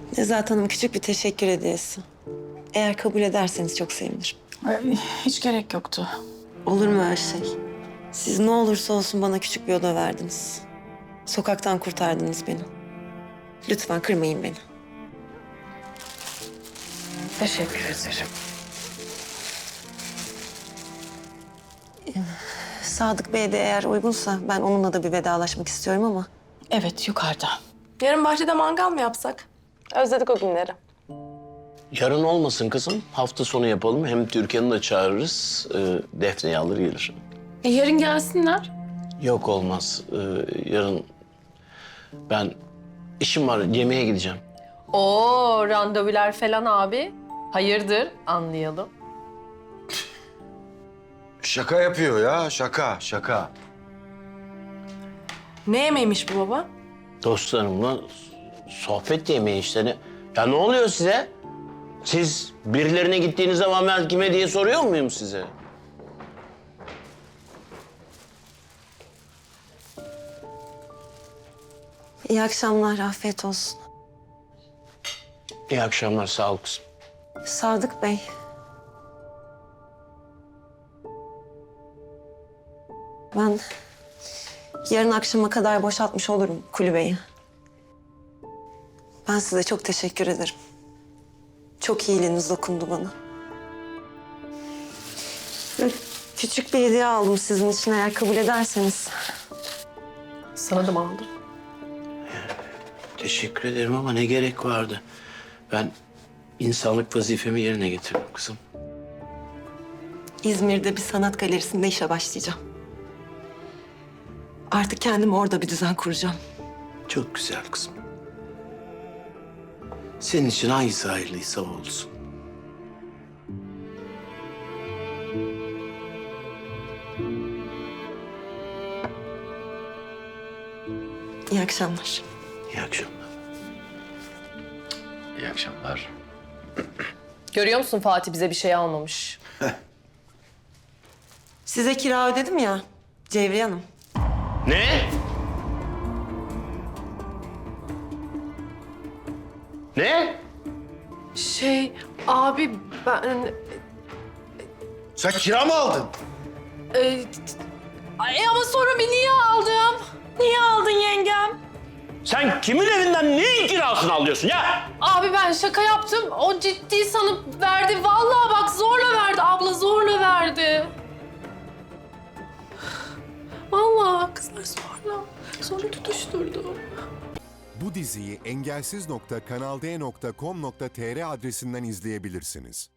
Nezahat Hanım küçük bir teşekkür hediyesi. Eğer kabul ederseniz çok sevinirim. Hiç gerek yoktu. Olur mu öyle şey? Siz ne olursa olsun bana küçük bir oda verdiniz. Sokaktan kurtardınız beni. Lütfen kırmayın beni. Teşekkür ederim. Sadık Bey de eğer uygunsa ben onunla da bir vedalaşmak istiyorum ama... Evet, yukarıda. Yarın bahçede mangal mı yapsak? Özledik o günleri. Yarın olmasın kızım. Hafta sonu yapalım. Hem Türkan'ı da çağırırız. Defne'yi alır gelir. Yarın gelsinler. Yok olmaz. Yarın ben işim var. Yemeğe gideceğim. Oo, randevular falan abi. Hayırdır? Anlayalım. Şaka yapıyor ya, şaka. Ne yemeğiymiş bu baba? Dostlarımla sohbet yemeği işte. Ya ne oluyor size? Siz birilerine gittiğiniz zaman ben kime diye soruyor muyum size? İyi akşamlar, afiyet olsun. İyi akşamlar, sağ ol kızım. Sadık Bey. Ben yarın akşama kadar boşaltmış olurum kulübeyi. Ben size çok teşekkür ederim. Çok iyiliğiniz dokundu bana. Böyle küçük bir hediye aldım sizin için eğer kabul ederseniz. Sana da mı aldın? Teşekkür ederim ama ne gerek vardı? Ben insanlık vazifemi yerine getirdim kızım. İzmir'de bir sanat galerisinde işe başlayacağım. Artık kendime orada bir düzen kuracağım. Çok güzel kızım. Senin için hangisi hayırlıysa o olsun. İyi akşamlar. İyi akşamlar. İyi akşamlar. Görüyor musun Fatih bize bir şey almamış. Size kira ödedim ya Cevriye Hanım. Ne? Ne? Abi ben... Sen kira mı aldın? Ama sonra bir niye aldım? Niye aldın yengem? Sen kimin evinden neyin kirasını alıyorsun ya? Abi ben şaka yaptım. O ciddi sanıp verdi. Vallahi bak zorla verdi. Abla zorla verdi. Vallahi kızlar zorla. Sonra tutuşturdu. Bu diziyi engelsiz.kanalde.com.tr adresinden izleyebilirsiniz.